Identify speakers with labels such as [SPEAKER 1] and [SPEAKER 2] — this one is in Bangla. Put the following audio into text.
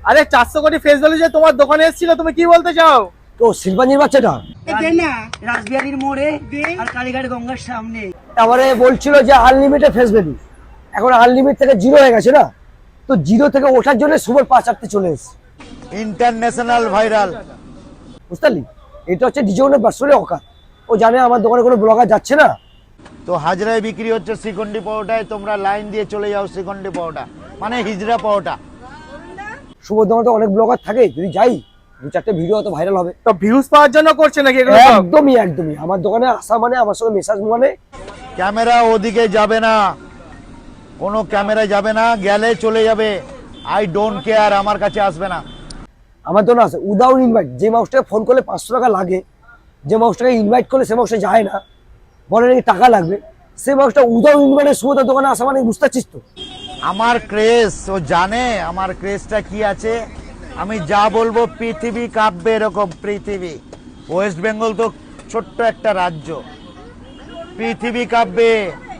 [SPEAKER 1] আরে 400 কোটি ফেস ভ্যালু যে তোমার দোকানে এসেছিল, তুমি কি বলতে চাও?
[SPEAKER 2] তো শিল্পাঞ্জির বাচ্চাটা
[SPEAKER 3] রাসবিহারীর মোড়ে আর কালীঘাট গঙ্গার সামনে।
[SPEAKER 2] তারপরে বলছিল যে আনলিমিটেড ফেস ভ্যালু, এখন আনলিমিট থেকে জিরো হয়ে গেছে না, তো জিরো থেকে ওঠার জন্য সুপার 5 চলে এসেছে।
[SPEAKER 4] ইন্টারন্যাশনাল ভাইরাল,
[SPEAKER 2] বুঝতে পারলি? এটা হচ্ছে ডিজনের পার্সোনালি অকাত। ও জানে আমার দোকানে কোনো ব্লগার যাচ্ছে না।
[SPEAKER 4] তো হাজরায় বিক্রি হচ্ছে শ্রীখণ্ডী পাওয়াটায়, তোমরা লাইন দিয়ে চলে যাও শ্রীখণ্ডী পাওয়াটা, মানে হিজড়া পাওয়াটা।
[SPEAKER 2] শুভর দোকানে তো অনেক ব্লগার থাকে, যদি যাই 2-4টে ভিডিও হয়তো ভাইরাল হবে।
[SPEAKER 1] তো ভিউজ পাওয়ার জন্য করছে নাকি এগুলো সব?
[SPEAKER 2] একদমই আমার দোকানে আসা মানে আমার সঙ্গে মেসাজ মানে
[SPEAKER 4] ক্যামেরা ওদিকে যাবে না, কোনো ক্যামেরা যাবে না, গেলে চলে যাবে। আই ডোন্ট কেয়ার, আমার কাছে আসবে না।
[SPEAKER 2] আমার দোকানে আছে উইদাউট ইনভাইট। যে মানুষটাকে ফোন করলে 500 টাকা লাগে, যে মানুষটাকে ইনভাইট করলে সে মানুষটা যায় না, বলে নাকি টাকা লাগবে, সে মানুষটা উইদাউট ইনভাইটে শুভদার দোকানে আসা মানে বুঝতে পারছিস তো?
[SPEAKER 4] আমার ক্রেজ, ও জানে আমার ক্রেজটা কি আছে। আমি যা বলবো পৃথিবী কাঁপবে এরকম। পৃথিবী, ওয়েস্ট বেঙ্গল তো ছোট্ট একটা রাজ্য, পৃথিবী কাঁপবে।